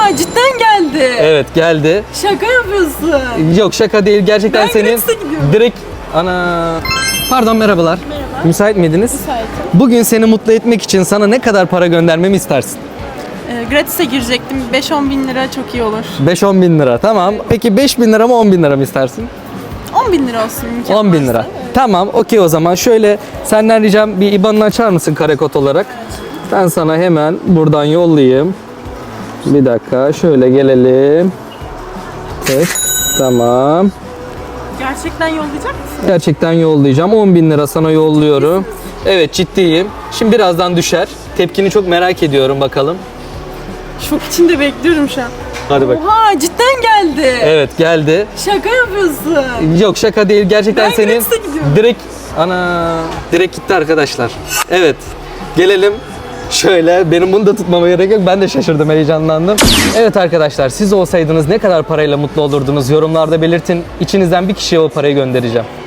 Oha, cidden geldi. Evet, geldi. Şaka yapıyorsun. Yok, şaka değil. Gerçekten Ben senin Gratis'e gidiyorum. direkt ana. Pardon, merhabalar. Merhaba. Müsait miydiniz? Müsaitim. Bugün seni mutlu etmek için sana ne kadar para göndermemi istersin? Gratis'e girecektim. 5-10 bin lira çok iyi olur. 5-10 bin lira, tamam. Peki 5 bin lira mı 10 bin lira mı istersin? 10 bin lira olsun. imkan 10 bin varsa. lira. Tamam, okey o zaman. Şöyle senden ricam bir IBAN'ını açar mısın karekod olarak? Ben sana hemen buradan yollayayım. Bir dakika, şöyle gelelim. Evet, tamam. Gerçekten yollayacak mısın? Gerçekten yollayacağım. 10 bin lira sana yolluyorum. Evet, ciddiyim. Şimdi birazdan düşer. Tepkini çok merak ediyorum, bakalım. Şok içinde bekliyorum şu an. Hadi bak. Oha, cidden geldi. Evet, geldi. Şaka yapıyorsun. Yok, şaka değil. Gerçekten Ben senin Gratis'e gidiyorum. direkt gitti arkadaşlar. Evet. Gelelim. Şöyle, benim bunu da tutmama gerek yok. Ben de şaşırdım, heyecanlandım. Evet arkadaşlar, siz olsaydınız ne kadar parayla mutlu olurdunuz? Yorumlarda belirtin. İçinizden bir kişiye o parayı göndereceğim.